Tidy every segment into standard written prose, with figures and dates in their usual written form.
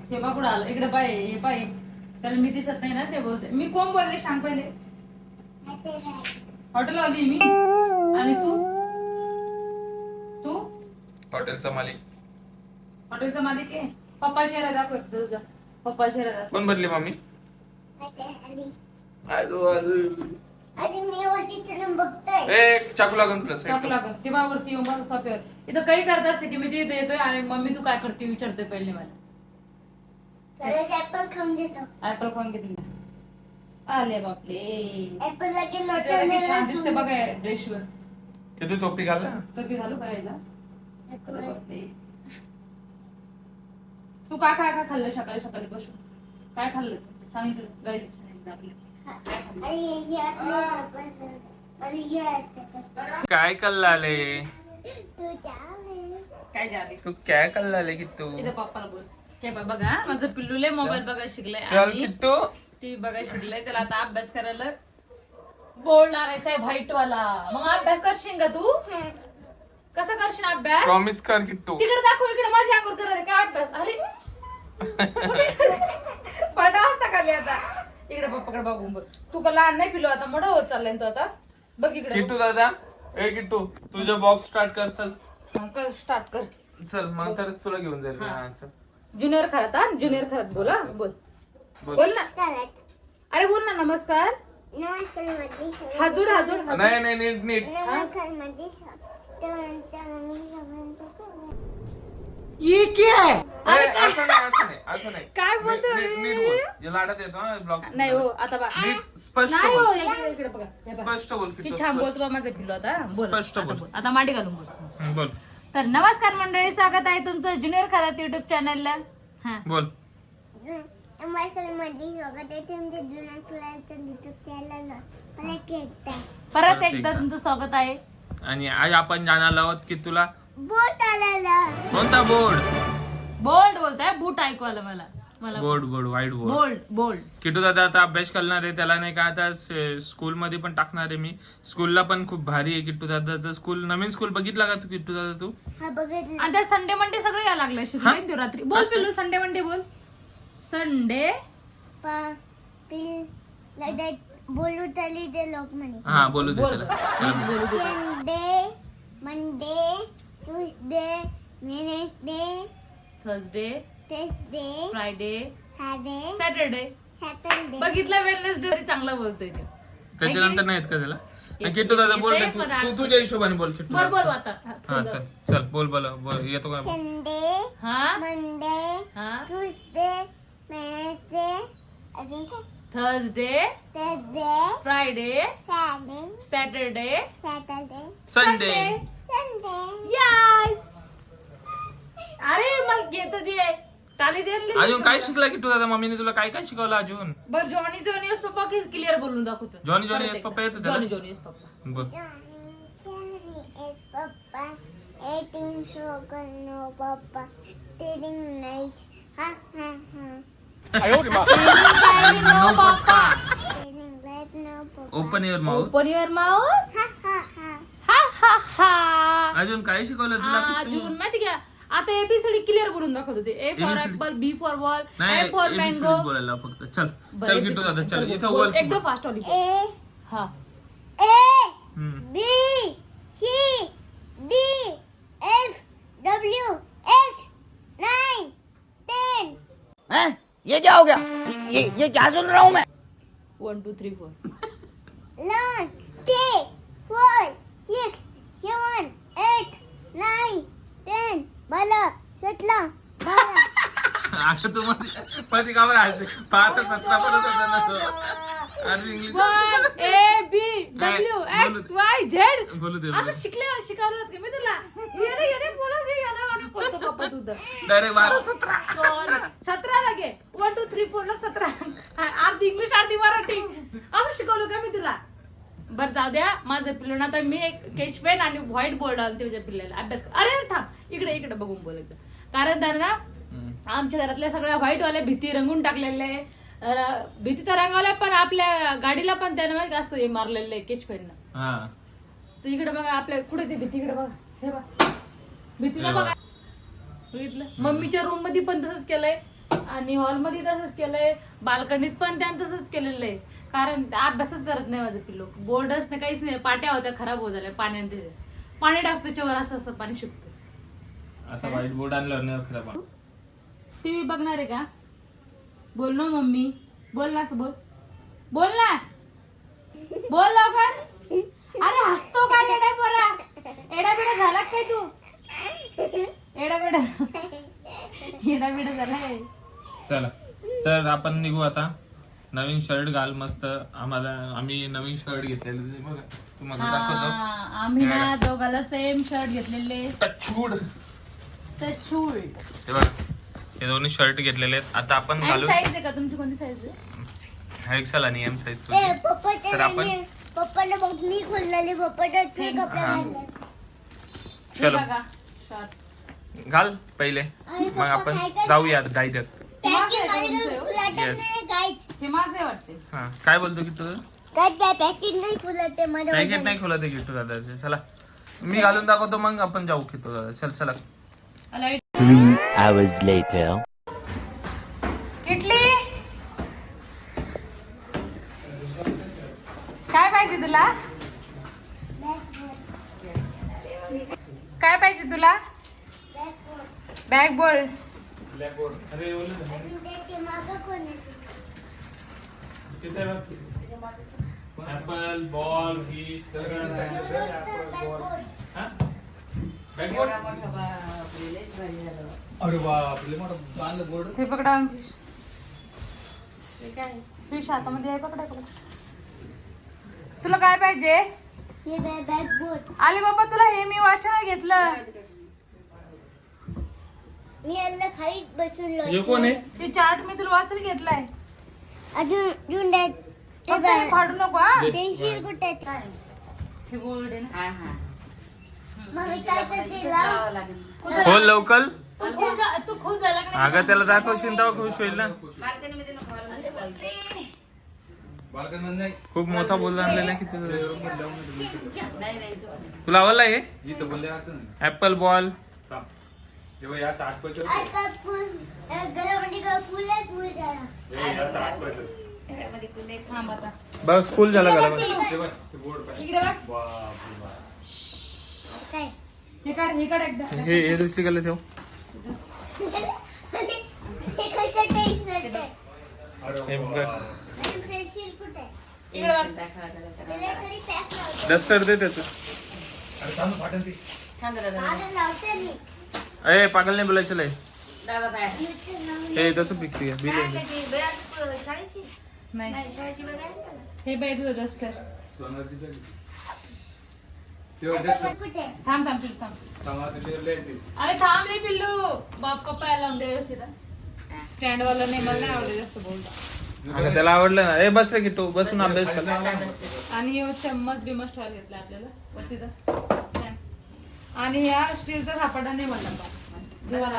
हे बघ कुठं आलं इकडे पाय हे पाय त्याला मी दिसत नाही ना ते बोलते मी कोण बोलले सांग पहिले हॉटेल आली मी आणि तू हॉटेलचा मालिक हॉटेलचा मालिक आहे पप्पा चेहरा दाखव तुझा पप्पा चेहरा दाखव कोण बनली मम्मी चाकू लागून तुला चाकू लागून ती बावरती येऊन बस सोफ्यावर इथं काही करत असते की मी तिथे येतोय आणि मम्मी तू काय करते विचारतोय पहिले मला ऍपल खाऊन देतो ऍपल खाऊन घेतली आले बापले ऍपल लागेल किती छान दिसते बघा ड्रेसवर किती टोपी घालला टोपी घालू पाहिला तू काय काय काय खाल्लं सकाळी सकाळी बसून काय खाल्लं तू सांगितलं गाईच काय कल्लाले काय झाले तू काय कल्लाले की तू तिच्या पप्पाला बोल हे बघा माझं पिल्लूले मोबाईल बघायला शिकलाय चल आणि किट्टू टीव्ही बघायला शिकलाय त्याला आता अभ्यास करायला बोर्ड लावायचा आहे व्हाईट वाला मग अभ्यास करशील का तू कसा करशील अभ्यास प्रॉमिस कर किट्टू तिकडे दाखव इकडे माझ्या अंगावर करायला काय अभ्यास अरे पडा असता खाली आता इकडे पप्पाकडे बघून बघ तू का लहान नाही पिलो आता मोठा होत चाललाय तू आता बघ इकडे किट्टू दादा ए किट्टू तुझा बॉक्स स्टार्ट कर चल कर स्टार्ट कर चल मग तरच तुला घेऊन जाईल हा. हा, चल. ज्युनियर खरात हा ज्युनियर खरात बोला बोल बोल. बोल ना अरे बोल ना नमस्कार नमस्कार माझी हाजूड हाजूड नाही नाही नीट नीट नमस्कार माझी ए, असं नाही असं नाही काय बोलतोय? नीट बोल या लाडात येतो ब्लॉग नाही हो आता बघ नीट स्पष्ट नाही हो बोल इकडे इकडे बघा हे बघा. स्पष्ट बोल की किट्टू छान स्पष्ट. बोलतो बा माझं पिल्लू आता बोल स्पष्ट आता बोल. बोल आता मांडी घालून बोल बोल तर नमस्कार मंडळी स्वागत आहे तुमचं ज्युनियर खरात युट्यूब चॅनलला हा बोल नमस्कार माझी स्वागत आहे तुमच्या जुन्या क्लासच्या युट्यूब चॅनलला परत एकदा परत एकदा तुमचं स्वागत आहे आणि आज आपण जाणार आहोत की तुला बोट आलेला कोणता बोर्ड बोल्ड बोलताय बूट ऐकू आलं मला मला board white board bold bold Kittu दादा आता अभ्यास करणार आहे त्याला नाही का आता स्कूल मध्ये पण टाकणार आहे मी स्कूलला पण खूप भारी आहे किट्टू दादाचं स्कूल नवीन स्कूल बघितला का तू किट्टू दादा तू हा बघितलं आणि त्या संडे मंडे सगळं यायला लागलं शिकवायला देऊ रात्री बोल पिल्लू संडे मंडे बोल संडे बोलू तरी ते लोक म्हणे हा बोलू दे बोल त्याला प्लीज बोलू दे Sunday Monday Tuesday Wednesday Thursday Thursday Friday Friday Saturday Saturday बघितलं वेडनेसडे चांगला बोलतोय ते त्याच्यानंतर नाही येत का त्याला आणि किट्टू दादा बोल रे, तू तुझ्या हिशोबाने बोल किट्टू बोल बोल दादा. आता हा चल चल बोल बोल येतो का संडे हा मंडे हा ट्यूसडे वेडनेसडे अजून काय Thursday Thursday Friday Friday Saturday Saturday Sunday Sunday yes अरे मला घेत दे टाली दे अजून काय शिकला किट्टू दादा मम्मीने तुला काय काय शिकवलं अजून बर जॉनी जॉनी यस पप्पा की क्लिअर बोलून दाखवतो जॉनी जॉनी येस पप्पा येतं त्याला? जॉनी जॉनी यस पप्पा बोल Johnny is Papa, eating sugar, no Papa, eating nice, ha ha ha, no papa eating red, no Papa, open your mouth open your mouth ha ha ha, हा हा हा अजून काय शिकवलं तुला किट्टू? अजून माहिती का आता एबीसीडी क्लिअर बोलून दाखवत होते A for ABCD. Apple B for ball नाही एम फॉर ABCD मँगो बोलायला फक्त चल चल किट्टू दादा चल इथं बोल बोल एकदम फास्ट वाली A, हा A, हम्म. B, C, D, F, W, X, 9, 10, हैं? ये क्या हो गया ये क्या सुन रहा हूँ मैं 1 2 3 4 11, 3, 4, 6, 7, 8, 9, 10, 12, 17, 12. आता तू मध्ये का बरं आहे पाहता 17 परत होता ना तो अरे इंग्लिश 1 ए बी डब्ल्यू बोलू एक्स वाय झेड बोलू दे आता शिकवलं का मी तुला येणे बोला घे याला आणि बोलतो पप्पा तू तर डायरेक्ट 12 17 17 लागे 1 2 3 4 लाग 17 अर्धी इंग्लिश अर्धी मराठी असं शिकवलं का मी तुला बरं जाऊ द्या माझं पिल्लून आता मी एक केच पेन आणि व्हाईट बोर्ड आणते माझ्या पिल्ल्याला अभ्यास अरे थांब इकडे इकडे बघून बोलायचं कारण त्यांना आमच्या घरातल्या सगळ्या व्हाईट वाल्या भीती रंगून टाकलेल्या आहे भीती तर रंगवल्या पण आपल्या गाडीला पण त्यानं माहिती असं हे मारलेलं आहे केच पेननं हा तर इकडे बघा आपल्या कुठे ते भीती इकडे बघा हे बघा भीतीला बघा बघितलं मम्मीच्या रूम मध्ये पण तसंच केलंय आणि हॉलमध्ये तसंच केलंय, बाल्कनीत पण त्यानं तसंच केलेलं आहे. कारण अभ्यासच करत नाही माझं पिल्लू. बोर्डच नाही, काहीच नाही. पाट्या होत्या खराब होत झाल्या पाण्याने. तिथे पाणी टाकतं त्याच्यावर, असं असं पाणी शिकतं. आता व्हाईट बोर्ड आणल्यावर नाही खराब. टीव्ही बघणार आहे का? बोल ना मम्मी, बोल ना, असं बोल, बोल ना, बोल लवकर. अरे हसतो काय एडा बरा, एडा बिडा झाला काय तू? एडा बिडा झालाय. चला सर आपण निघू आता. नवीन शर्ट घाल मस्त. आम्ही नवीन शर्ट घेतलेले बघा, तुम्हाला दाखवतो. आम्ही ना दोघाला सेम शर्ट घेतलेले. टचवूड. टचवूड. हे बघा, हे दोन्ही शर्ट घेतलेले आहेत. आता आपण घालू. साईज आहे का तुमची? कोणती साईज आहे? एक्सेल आणि एम साईज. तर आपण पप्पाला बघ मी खोललेले पप्पाला कपडे घालले. चलो बघा शॉर्ट घाल पहिले, मग आपण जाऊया डायरेक्ट. Packing Yes. गाईच हे माझे वाटते. हा काय बोलतो की तू? काय पॅकिंग नाही फुलते माझ्या पॅकेट नाही खोला ते किट्टू दादाचे. चला मी घालून दाखवतो, मग आपण जाऊ किट्टू दादा. चल चला. Light 3 hours later. किटली काय पाहिजे तुला? काय पाहिजे तुला? बॅग बोल. ऍपल बॉल फिश सगळं. हे पकडा फिश. फिश हातामध्ये आहे, पकडा पकडा. तुला काय पाहिजे? हे बॅग बोट आले बाबा तुला हे मी वाचन घेतलं. मी याला खाली बसून हे कोण आहे? ते चार्ट मी तुला वाचायला घेतलाय. अजून फक्त हे फाडू नको हा. पेन्सिल कुठे हे गोल्ड आहे ना. मम्मी काय करते लाव. खोल लवकर. तू खुश झाला का नाही? अगं त्याला दाखवशील तेव्हा खुश होईल ना. खूप मोठा बोलला आणलेला की तुला आवडला हे ऍपल बॉल. घरामध्ये काय फुल आहे फुल झाला. थांब आता. बघ स्कूल झाला घरा. इकडे बघ. काय हे काढ एकदा. हे दुसरी कलर ठेव. हे कसं टेस्ट करते. हे बघ पेन्सिल कुठे इकडे बघ. त्याला तरी पॅक लावते. डस्टर दे त्याचं. आता लावते मी. अरे पागल नाही बोलायचं लय. नुसतं लावून. हे तसं पिकते बिल. नाही हे बाई तुझं डस्टर. आता कुठे थांब अरे थांब रे पिल्लू. बाप पप्पा यायला लावून दे व्यवस्थित. स्टँड वाला नाही, मला नाही आवडत जास्त बोलतो. अगं त्याला आवडलं ना. ए बस रे किट्टू, बसून अभ्यास कर. आणि हे चम्मच बिमच ठेवायला घेतला आपल्याला वरती stand. आणि ह्या स्टीलचा सापडा नाही म्हणला अजून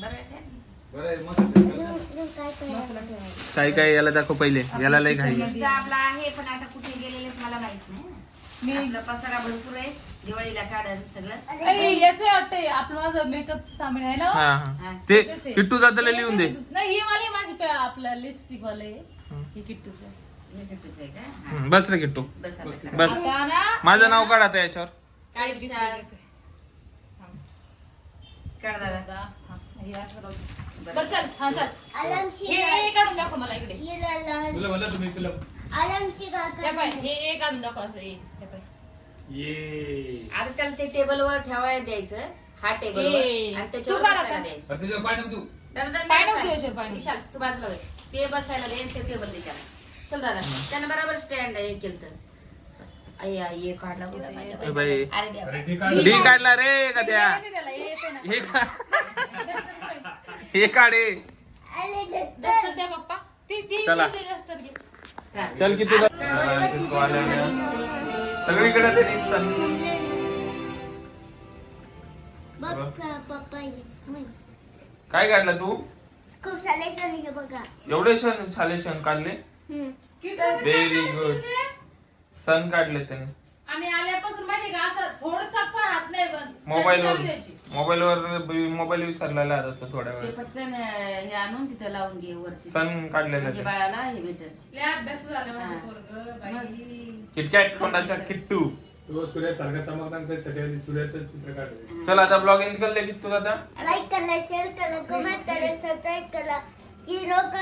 काय करायचं. मसाला ठेवायला. काय काय याला दाखव पहिले. याला लय घाई. आपला आहे पण आता कुठे गेलेले मला माहित नाही. मी आपला पसारा भरपूर आहे, दिवाळीला काढन सगळं. याच वाटतंय आपलं माझं मेकअपचं सामान आहे ना. हा हा ते किट्टू दादाला लिहून दे. नाही ही वाली माझी आपलं लिपस्टिक वाले हे किट्टूचं. हे गिफ्टच आहे का? हा. बस रे किट्टू बसा बसा. बस. आता ना माझं नाव काढ आता याच्यावर. काळी पिसाळ. काढ दादा. थांब. हे असं राहू दे. बरं चल. हा चल. आलमशी हे काढून दाखव मला इकडे. आलमशी हे पाय हे काढून दाखव असं हे पाय. आता त्याला ते टेबलवर ठेवायला द्यायचं. हा टेबल ए, आणि तू त्याच्यावर काढ बसायला आता. द्यायचं. पाय नको तू. दादा पाय नको याच्यावर, पाय नको. विशाल तू बाजूला होय. ते बसायला दे आणि ते टेबल दे त्याला. चल दादा त्यानं बरोबर स्टँड हे केलं तर. अय्या ये काढला कुठं माझ्या ए बाई. बाई अरे देवा. डी काढला रे का त्या. येते त्याला, हे येते ना. हे हे काढे. डस्टर द्या पप्पा. ती चला. डस्टर घे. हा. चल किती सगळीकडे ते निसन. पप्पा काय काढलं तू? खूप सारे सण हे बघा. एवढे सण झाले, सण काढले. हम्म. Kittu, very good. सण काढले त्याने. आणि आल्यापासून माहिती का असं थोडसा पण हात नाही बंद मोबाईल विसरलेला आता थोड्या ते वेळ पटकन हे आणून तिथं लावून घे वरती सण काढलेला म्हणजे बाळाला हे भेटेल. लय अभ्यास झाला माझं पोरगं बाई. किटकॅट तोंडाच्या किट्टू. तो सूर्यासारखा चमकताना त्यासाठी आधी सूर्याचं चित्र काढलं. चल आता ब्लॉग एंड करले किट्टू दादा. लाईक करा, शेअर करा, कमेंट करा, सबस्क्राईब करा. की लोक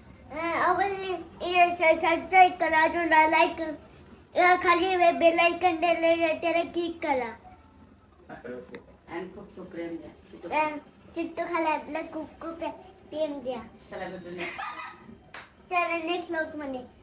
आवडली सबस्क्राईब करा, अजून लाईक खाली बेल आयकॉन त्याला क्लिक करा. आणि खूप खूप प्रेम द्या. चिट्टू खाल्यातलं खूप खूप प्रेम द्या. चला भेटू next. चला नेक्स्ट ब्लॉग मध्ये.